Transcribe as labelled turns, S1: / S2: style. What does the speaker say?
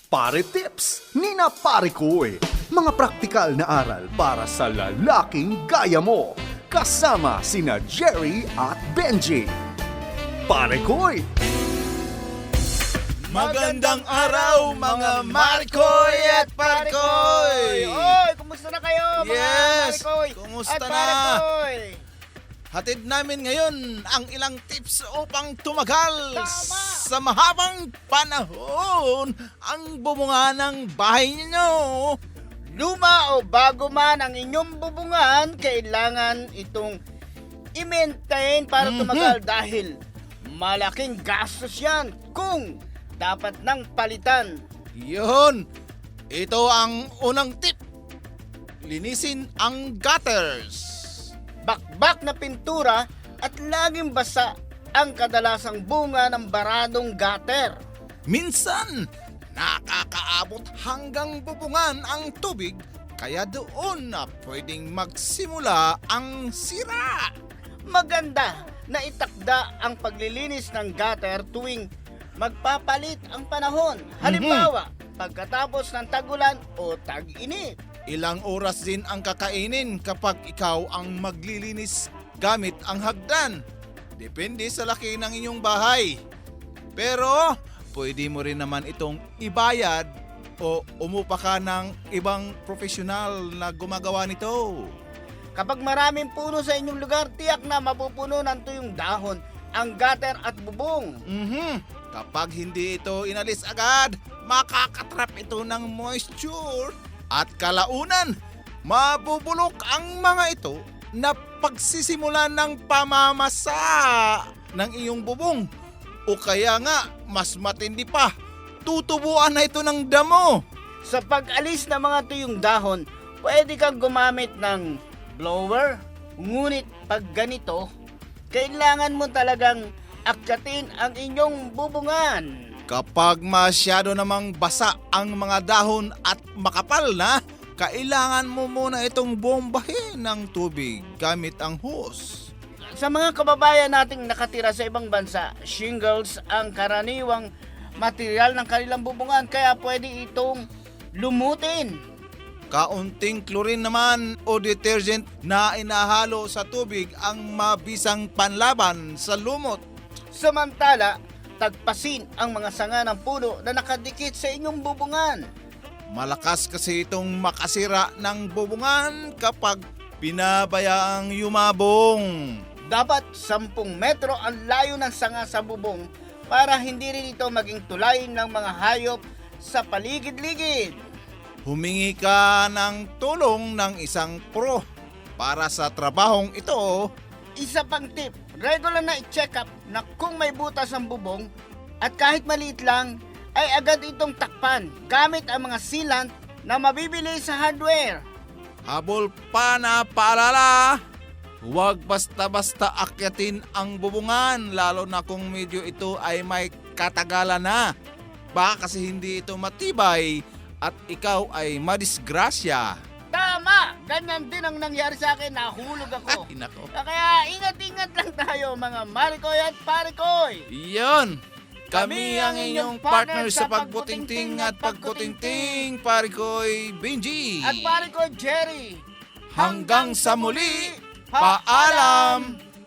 S1: Pare Tips ni na Pare Koy. Mga praktikal na aral para sa lalaking gaya mo. Kasama sina Jerry at Benji. Pare Koy.
S2: Magandang araw mga Marikoy at Parikoy!
S3: Oy, kumusta na kayo mga
S2: Yes!
S3: Marikoy
S2: Kumusta
S3: at
S2: na?
S3: Parikoy?
S2: Hatid namin ngayon ang ilang tips upang tumagal
S3: Tama!
S2: sa mahabang panahon ang bumunga ng bahay ninyo.
S3: Luma o bago man ang inyong bubungan, kailangan itong i-maintain para tumagal dahil malaking gastos yan kung dapat nang palitan.
S2: Yun! Ito ang unang tip. Linisin ang gutters.
S3: Bakbak na pintura at laging basa ang kadalasang bunga ng baradong gutter.
S2: Minsan, nakakaabot hanggang bubungan ang tubig kaya doon na pwedeng magsimula ang sira.
S3: Maganda na itakda ang paglilinis ng gutter tuwing magpapalit ang panahon. Halimbawa, pagkatapos ng tagulan o tag-init.
S2: Ilang oras din ang kakainin kapag ikaw ang maglilinis gamit ang hagdan. Depende sa laki ng inyong bahay. Pero pwede mo rin naman itong ibayad o umupa ka ng ibang profesional na gumagawa nito.
S3: Kapag maraming puno sa inyong lugar, tiyak na mapupuno ng tuyong dahon ang gutter at bubong.
S2: Kapag hindi ito inalis agad, makakatrap ito ng moisture at kalaunan, mabubulok ang mga ito na pagsisimulan ng pamamasa ng iyong bubong. O kaya nga, mas matindi pa, tutubuan na ito ng damo.
S3: Sa pag-alis ng mga tuyong dahon, pwede kang gumamit ng blower. Ngunit pag ganito, kailangan mo talagang akyatin ang inyong bubungan.
S2: Kapag masyado namang basa ang mga dahon at makapal na, kailangan mo muna itong bombahin ng tubig gamit ang hose.
S3: Sa mga kababayan nating nakatira sa ibang bansa, shingles ang karaniwang material ng kanilang bubungan kaya pwede itong lumutin.
S2: Kaunting chlorine naman o detergent na inahalo sa tubig ang mabisang panlaban sa lumot.
S3: Samantala, tagpasin ang mga sanga ng puno na nakadikit sa inyong bubungan.
S2: Malakas kasi itong makasira ng bubungan kapag pinabayaang yumabong.
S3: Dapat 10 metro ang layo ng sanga sa bubong para hindi rin ito maging tulay ng mga hayop sa paligid-ligid.
S2: Humingi ka ng tulong ng isang pro para sa trabahong ito.
S3: Isa pang tip, regular na i-check up na kung may butas ang bubong at kahit maliit lang ay agad itong takpan gamit ang mga sealant na mabibili sa hardware.
S2: Habol pa na paalala, huwag basta-basta akyatin ang bubungan lalo na kung medyo ito ay may katagalan na. Baka kasi hindi ito matibay at ikaw ay madisgrasya.
S3: Tama! Ganyan din ang nangyari sa akin, nahulog ako.
S2: Ay, nako.
S3: Kaya ingat-ingat lang tayo mga Marikoy at Parikoy.
S2: Iyon! Kami ang inyong partner sa pagbutingting at pagkutingting, Parikoy Benji.
S3: At Parikoy Jerry.
S2: Hanggang sa muli, paalam!